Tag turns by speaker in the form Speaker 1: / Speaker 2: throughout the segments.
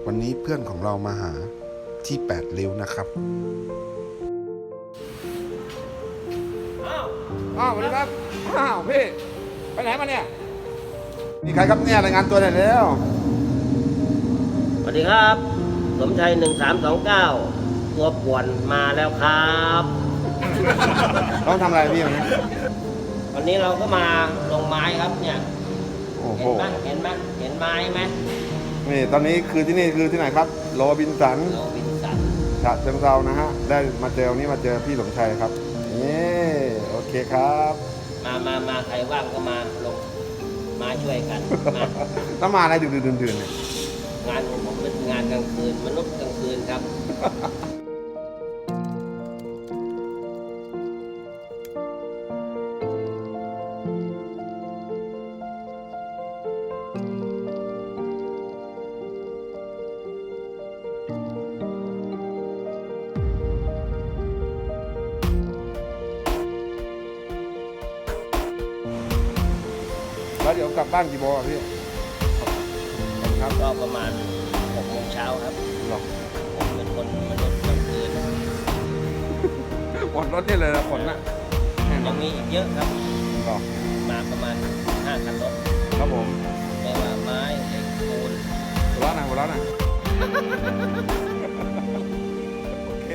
Speaker 1: วันนี้เพื่อนของเรามาหาที่8 ริ้วนะครับ
Speaker 2: อ้าวสวัสดีครับอ้าวพี่ไปไหนมาเนี่ยมีใครครับเนี่ยรายงานตัวหน่อยแล้ว
Speaker 3: สวัสดีครับสมชัย1329ตัวป่วนมาแล้วครับ
Speaker 2: ต้องทำอะไรพี่วันนี้
Speaker 3: วันนี้เราก็มาลงไม้ครับเนี่ย
Speaker 2: โอ้โห
Speaker 3: เห็นไม้ไหม
Speaker 2: นี่ตอนนี้คือที่นี่คือที่ไหนครับโรบินสัน
Speaker 3: โรบินสัน
Speaker 2: ฉะเชิงเทรานะฮะได้มาเจอวันนี้มาเจอพี่สมชัยครับนี่โอเคครับ
Speaker 3: มาใครว่างก็มาลงมาช่วยกันมา
Speaker 2: ต้องมาอะไรดึกๆดื่นๆเนี่ย
Speaker 3: งานของผมเป็นงานกลางคืนมนุษย์กลางคืนครับ
Speaker 2: แล้วเดี๋ยวกลับบ้านกี่โมงอ่ะพี่ครับ
Speaker 3: ก็ประมาณ6 โมงเช้าครับ
Speaker 2: หรอ
Speaker 3: ผมเป็นคนมนุษย์กลางคืน
Speaker 2: หมดรถนี่เลยนะฝนน่ะแน่นอ
Speaker 3: ยั
Speaker 2: น
Speaker 3: งมีอีกเยอะครับ
Speaker 2: หรอ
Speaker 3: มาประมาณ5 คันรถ
Speaker 2: ครับผม
Speaker 3: ไม่ว่าไม้เหล็กปูน
Speaker 2: หัวเราะหน่อยหัวเราะหน่อยโอเค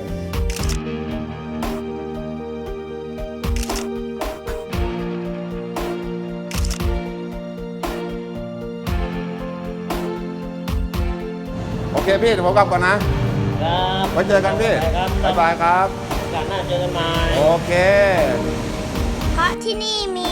Speaker 2: โอเคพี่เดี๋ยวผมกลับก่อนนะ
Speaker 3: ครับ
Speaker 2: ไว้เจอกันพี่
Speaker 3: ครับ
Speaker 2: บ๊ายบายครับ
Speaker 3: โอกาสหน้าเจอกันใหม่
Speaker 2: โอเค
Speaker 4: เพราะที่นี่มี